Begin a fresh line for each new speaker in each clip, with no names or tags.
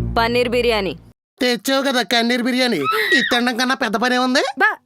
పన్నీర్ బిర్యానీ.
తెచ్చావు కదా కన్నీర్ బిర్యానీ. ఇది తినడం కన్నా పెద్ద పనే ఉంది.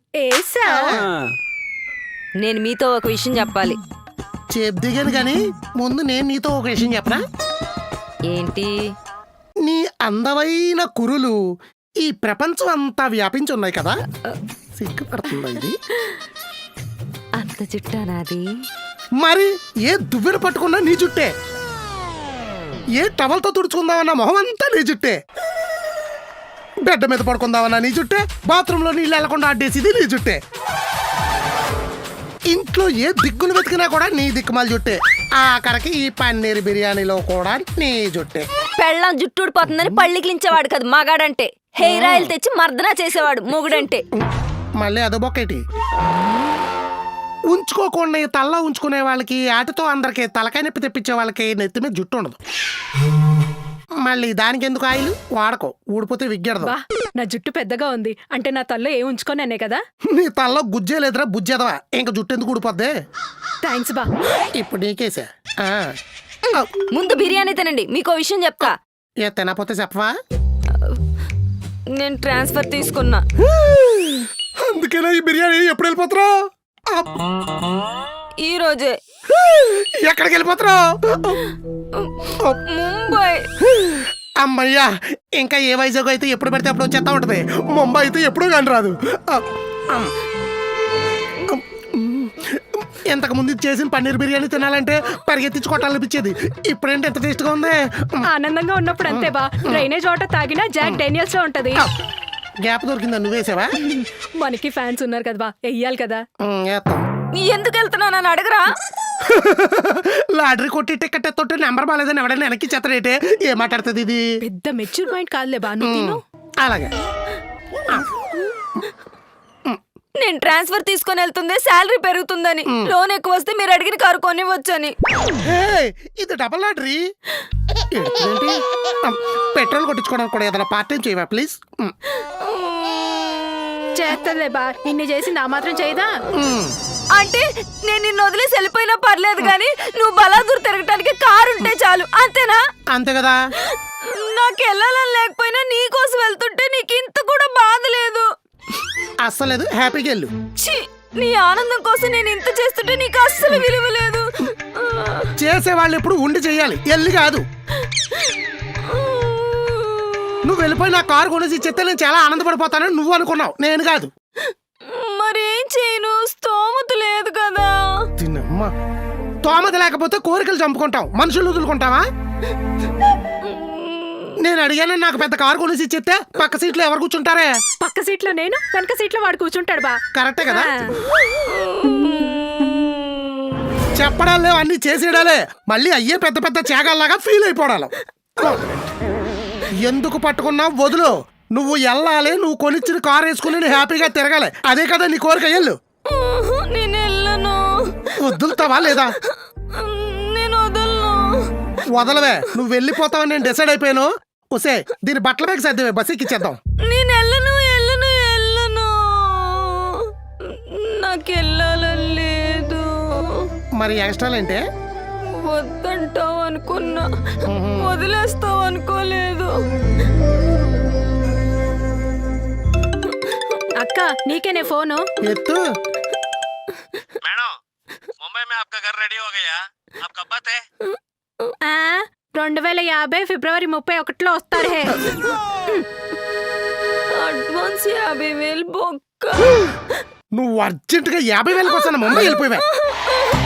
నేను మీతో ఒక విషయం చెప్పాలి.
చెప్దిగాను కానీ ముందు నేను నీతో ఒక విషయం చెప్పరా.
ఏంటి?
నీ అందమైన కురులు ఈ ప్రపంచం అంతా వ్యాపించి ఉన్నాయి కదా. సిగ్గుపడుతుందా ఇది?
అంత జుట్టా నాది?
మరి ఏ దువ్వెన పట్టుకున్నా నీ జుట్టే, ఏ టవల్తో తుడుచుకుందామన్నా మొహం అంతా నీ జుట్టే, బెడ్ మీద పడుకుందామన్నా నీ జుట్టే, బాత్రూంలో నీళ్ళు వెళ్లకుండా అడ్డేసిది నీ జుట్టే, ఇంట్లో ఏ దిక్కును వెతికినా కూడా నీ దిక్కుమాల జుట్టే, ఆఖరికి ఈ పన్నీర్ బిర్యానీలో కూడా నీ జుట్టే.
పెళ్ళం జుట్టు ఊడిపోతుందని పళ్ళికిలించేవాడు కదా మగాడంటే. హెయిర్ ఆయిల్ తెచ్చి మర్దన చేసేవాడు మొగుడంటే.
మళ్ళీ అదో బొక్కేటి. ఉంచుకోకుండా తల్ల ఉంచుకునే వాళ్ళకి, ఆటతో అందరికి తలకాయ నొప్పి తెప్పించే వాళ్ళకి నెత్తి మీద జుట్టు ఉండదు. మళ్ళీ దానికి ఎందుకు ఆయిల్ వాడకో, ఊడిపోతే విగ్గెడదు.
నా జుట్టు పెద్దగా ఉంది అంటే నా తల్లో ఏ ఉంచుకోనే కదా.
నీ తల్లో గుజ్జే లేదురా బుజ్జెదవా, ఇంకా జుట్టు ఎందుకు ఊడిపోద్ది.
థ్యాంక్స్ బా.
ఇప్పుడు నీకేసా.
ముందు బిర్యానీ తినండి, మీకో విషయం చెప్తా.
ఏ తినపోతే చెప్పవా.
నేను ట్రాన్స్ఫర్ తీసుకున్నా.
అందుకేనా ఈ బిర్యానీ. ఎప్పుడు వెళ్ళిపోతురా?
ఈ రోజే.
ఎక్కడికి వెళ్ళిపోతురా?
ముంబై.
అమ్మయ్యా, ఇంకా ఏ వైజాగ్ అయితే ఎప్పుడు పెడితే అప్పుడు వచ్చేస్తా ఉంటది. ముంబై అయితే ఎప్పుడు కానీ రాదు. ఇంతకు ముందు చేసిన పన్నీర్ బిర్యానీ తినాలంటే పరిగెత్తించి కొట్టాలనిపించేది. ఇప్పుడేంటి ఎంత టేస్ట్ గా ఉంది.
ఆనందంగా ఉన్నప్పుడు అంతే బా. డ్రైనేజ్ వాటర్ తాగినా జాక్ డేనియల్స్ లో ఉంటది.
గ్యాప్ దొరికిందా? నువ్వేసావా?
మనకి ఫ్యాన్స్ ఉన్నారు కదా బా, వెయ్యాలి కదా.
ఎందుకు వెళ్తున్నానని అడగరా.
లాటరీ కొట్టి టికెట్ తోటి నెంబర్ బాగాలేదని ఎవడైనా వెనక్కి చెత్తరేటే. ఏం మాట్లాడుతుంది ఇది?
పెద్ద మెచ్యూర్ పాయింట్ కాదులే బా. నువ్వు
అలాగే.
నేను ట్రాన్స్ఫర్ తీసుకొని వెళ్తుంది శాలరీ పెరుగుతుందని, లోన్ ఎక్కువ వస్తే మీరు అడిగిన కారు కొనివ్వచ్చని.
ఇది డబల్ లాటరీ. పెట్రోల్ కొట్టించుకోవడానికి కూడా ఏదైనా పార్ట్ టైం చేయవా ప్లీజ్?
చేస్తలే బా. ఇన్ని చేసి నా మాత్రం చేయదా?
అంటే నేను నిన్ను వదిలేసి వెళ్ళిపోయినా పర్లేదు కానీ నువ్వు బలాదూర్ తిరగటానికి కారు ఉంటే చాలు, అంతేనా?
అంతే కదా.
నాకు వెళ్ళాలని లేకపోయినా నీకోసం వెళ్తుంటే నీకు ఇంత కూడా బాధ లేదు.
అస్సలేదు. హ్యాపీగా వెళ్ళు.
నీ ఆనందం కోసం నేను ఇంత చేస్తుంటే నీకు అస్సలు విలువ లేదు.
చేసేవాళ్ళు ఎప్పుడు ఉండి చెయ్యాలి, వెళ్ళి కాదు. నువ్వు వెళ్ళిపోయి నా కారు కొనేసి చెప్తే నేను చాలా ఆనందపడిపోతానని నువ్వు అనుకున్నావు, నేను కాదు.
మరేం చేయను, స్తోమత లేదు కదా.
తిన్నమ్మా, తోమత లేకపోతే కోరికలు చంపుకుంటాం, మనుషులు వదులుకుంటావా? నేను అడిగాను నాకు పెద్ద కారు కొనేసి చెప్తే పక్క సీట్లో ఎవరు కూర్చుంటారే?
పక్క సీట్లో నేను, వెనక సీట్లో వాడు కూర్చుంటాడు బా.
కరెక్టే కదా. చెప్పడాలే అన్ని చేసేడాలే, మళ్ళీ అయ్యే పెద్ద పెద్ద త్యాగాల్లాగా ఫీల్ అయిపోవడాలి. ఎందుకు పట్టుకున్నా వదులు. నువ్వు వెళ్ళాలి, నువ్వు కొనిచ్చిన కారు వేసుకుని నువ్వు హ్యాపీగా తిరగాలి. అదే కదా నీ కోరిక. వెళ్ళు.
నేను వెళ్ళను.
వదులుతావా లేదా?
నేను వదలను.
వదలవే. నువ్వు వెళ్ళిపోతావని నేను డిసైడ్ అయిపోయాను. ఒసే, దీని బట్టల బ్యాగ్ సర్దివే, బస్ ఎక్కిచ్చేద్దాం.
నేను వెళ్ళను వెళ్ళను వెళ్ళను. నాకు వెళ్ళాలని లేదు.
మరి ఎక్స్ట్రాలంటే?
వద్దంటావు అనుకున్నా, వదిలేస్తావు అనుకోలేదు.
అక్క నీకేనే ఫోను.
ఎత్తు.
मैडम, मुंबई में आपका घर रेडी हो गया, आप कब आते?
2050 ఫిబ్రవరి 31 వస్తాడు. హే
అడ్వాన్స్ 50,000 బొక్క.
నువ్వు అర్జెంటుగా 50,000 కోసం ముంబై వెళ్ళిపోయావా?